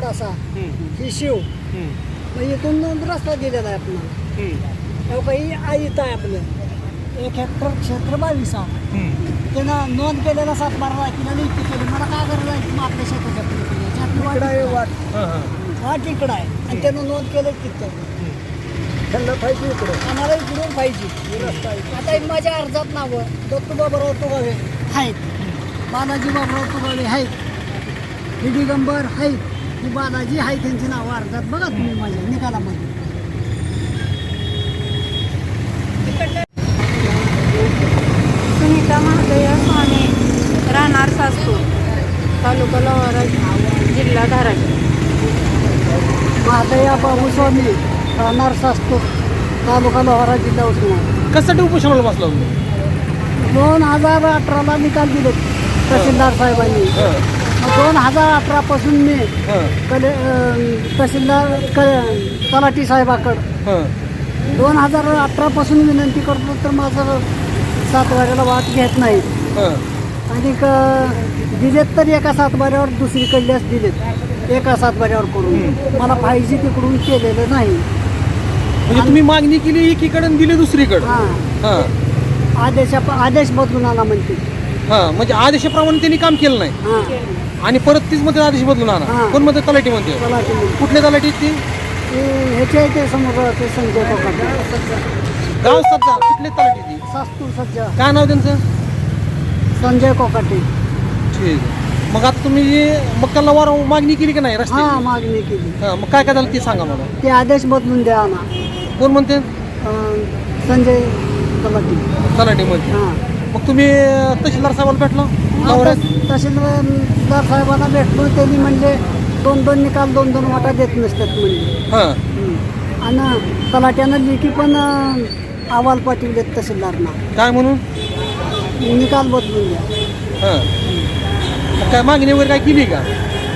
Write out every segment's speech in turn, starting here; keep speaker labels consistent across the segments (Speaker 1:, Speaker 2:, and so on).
Speaker 1: थोडासा ही शिव मग इथून रस्ता दिलेला आहे आपल्याला. काही आईत आहे आपलं 1 हेक्टर क्षेत्र 22 आहे. त्यानं नोंद केलेला 7-12 किलो इतकी केली. मला काय करायला आहे आपल्या शेताच्या वाट इकडं आहे आणि त्यानं नोंद केलं तिथं. त्यांना पाहिजे इकडं आम्हाला इकडून पाहिजे रस्ता. आता माझ्या अर्जात नावं दत्तू बाबराव तुगावे आहेत, बालाजी बाबराव तुगावे आहेत, ही दिगंबर आहेत, ही बालाजी आहे, त्यांची नावं अर्जात बघा तुम्ही माझ्या निकालामध्ये.
Speaker 2: सुनीता महादेव स्वामी राहणार सास्तूर तालुका लोहारा जिल्हा धाराशिव.
Speaker 1: महादया बाबूस्वामी राहणार सास्तूर तालुका लोहारा जिल्हा उस्मानाबाद.
Speaker 3: कशासाठी उपोषणाला बसला तुम्ही?
Speaker 1: 2018ला निकाल दिले तहसीलदार साहेबांनी. 2018 पासून मी तहसीलदार तलाठी साहेबाकडं 2018 पासून विनंती करतो तर माझं 7 वाऱ्याला वाट घेत नाही. आणि दिलेत तर एका 7 वाऱ्यावर दुसरीकडल्याच दिलेत एका 7 वाऱ्यावर करून. मला पाहिजे तिकडून केलेलं नाही.
Speaker 3: म्हणजे तुम्ही मागणी केली एकीकडे आणि दिली दुसरीकडे.
Speaker 1: आदेश बदलून आणा म्हणते.
Speaker 3: म्हणजे आदेशाप्रमाणे त्यांनी काम केलं नाही आणि परत तीच मध्ये आदेश बदलून आणा. कोण मध्ये तलाठी म्हणते? कुठले तलाठी ती?
Speaker 1: ह्याचे ते समोर ते संजय कोकाटे
Speaker 3: गाव सज्जा. कुठले तलाठी ती?
Speaker 1: सास्तूर सज्जा.
Speaker 3: काय नाव त्यांचं?
Speaker 1: संजय कोकाटे.
Speaker 3: ठीक आहे. मग आता तुम्ही मग त्याला वार मागणी केली की नाही रस्ते?
Speaker 1: मागणी केली.
Speaker 3: मग काय काय झालं ते सांगा मला.
Speaker 1: ते आदेश बदलून द्या ना.
Speaker 3: कोण म्हणते?
Speaker 1: संजय तलाठी.
Speaker 3: तलाठी म्हणते. मग तुम्ही तहसीलदार साहेबाला भेटला?
Speaker 1: तहसीलदार साहेबांना भेटलो. त्यांनी म्हणले 2-2 निकाल 2-2 वाटा देत नसतात म्हणले. आणि तलाट्यानं लेखी पण अहवाल पाठवलेत तहसीलदारना.
Speaker 3: काय म्हणून?
Speaker 1: निकाल बदलून द्या.
Speaker 3: काय मागणी वगैरे काय केली का?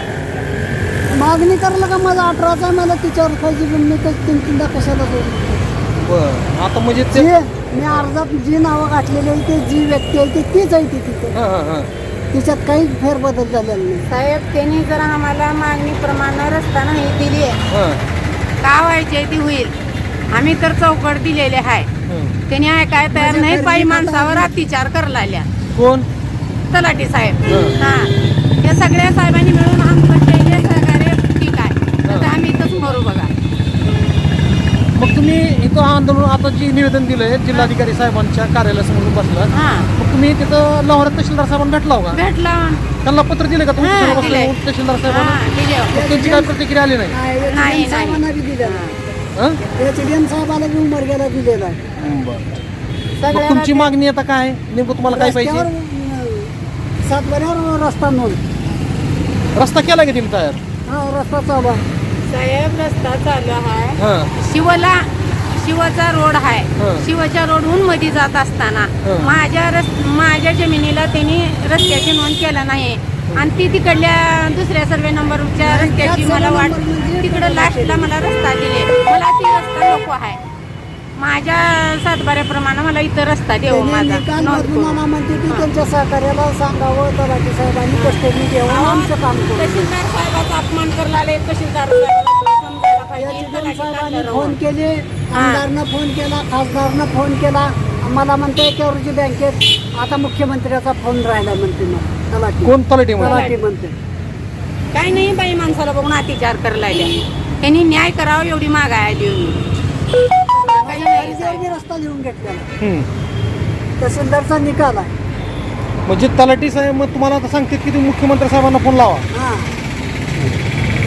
Speaker 1: मागणी करायला का माझा 18चा आहे. मला तिच्यावर पाहिजे मी तर 3-3दा कशाला करू.
Speaker 3: बरं. आता म्हणजे ते
Speaker 1: मी अर्जात जी नावं घातलेली आहे ते जी व्यक्ती आहे तीच आहे ती तिथे. तिच्यात काही फेरबदल झालेला नाही.
Speaker 2: साहेब त्यांनी जर आम्हाला मागणीप्रमाणे रस्ता नाही दिली का व्हायची ती होईल. आम्ही तर चौकट दिलेले आहे. त्यांनी ऐकाय तयार नाही. बाई माणसावर अत्याचार करायला.
Speaker 3: कोण?
Speaker 2: तलाठी साहेब. या सगळ्या साहेबांनी मिळून आमचं केले सहकार्य ठीक आहे. आता आम्ही इथंच मरू बघा.
Speaker 3: मग तुम्ही इथं आंदोलन आता जे निवेदन दिलंय जिल्हाधिकारी साहेबांच्या कार्यालयासमोर बसला. मग तुम्ही तिथं लोहारा तहसीलदार साहेबांना भेटला का?
Speaker 2: भेटला.
Speaker 3: त्यांना पत्र दिले का तुम्ही तहसीलदार साहेबांना? त्यांची काय प्रतिक्रिया आली नाही?
Speaker 1: साहेबांना बी दिलेला. साहेबाला बी उमरग्याला दिलेला आहे.
Speaker 3: मग तुमची मागणी आता काय नेमकं तुम्हाला काय पाहिजे?
Speaker 1: 7 वाऱ्यावर रस्ता नोंद.
Speaker 3: रस्ता केला का तुम्ही तयार?
Speaker 1: रस्ता चालू आहे
Speaker 2: साहेब. रस्ता चालू आहे. शिवचा रोड आहे. शिवच्या रोडहून मध्ये जात असताना माझ्या जमिनीला त्यांनी रस्त्याची नोंद केला नाही आणि ती तिकडल्या दुसऱ्या सर्वे नंबरच्या रस्त्याची मला वाट तिकडं लास्टला मला रस्ता दिले. मला ती रस्ता नको आहे. माझ्या 7 वाऱ्याप्रमाणे मला इथं रस्ता देऊ माझा.
Speaker 1: म्हणते की त्यांच्या सहकार्याला सांगावं तलाठी साहेबांनी कष्टनी घ्यावं आमचं काम करू.
Speaker 2: तहसीलदार साहेबाचा अपमान करायला आले. तहसीलदार
Speaker 1: साहेबांनी फोन केले. आमदारनं फोन केला, खासदारनं फोन केला. मला म्हणते केवरची बँकेत आता मुख्यमंत्र्याचा फोन राहिला म्हणते. मग तलाठी
Speaker 3: कोण? तलाठी
Speaker 1: म्हणते.
Speaker 2: काही नाही बाई माणसाला बघून अत्याचार करायला. त्यांनी न्याय करावा एवढी मागाय देऊन
Speaker 1: रस्ता लिहून घेतलेला तहसीलदारचा निकाल आहे.
Speaker 3: म्हणजे तलाठी साहेब मग तुम्हाला आता सांगते की तुम्ही मुख्यमंत्री साहेबांना फोन लावा.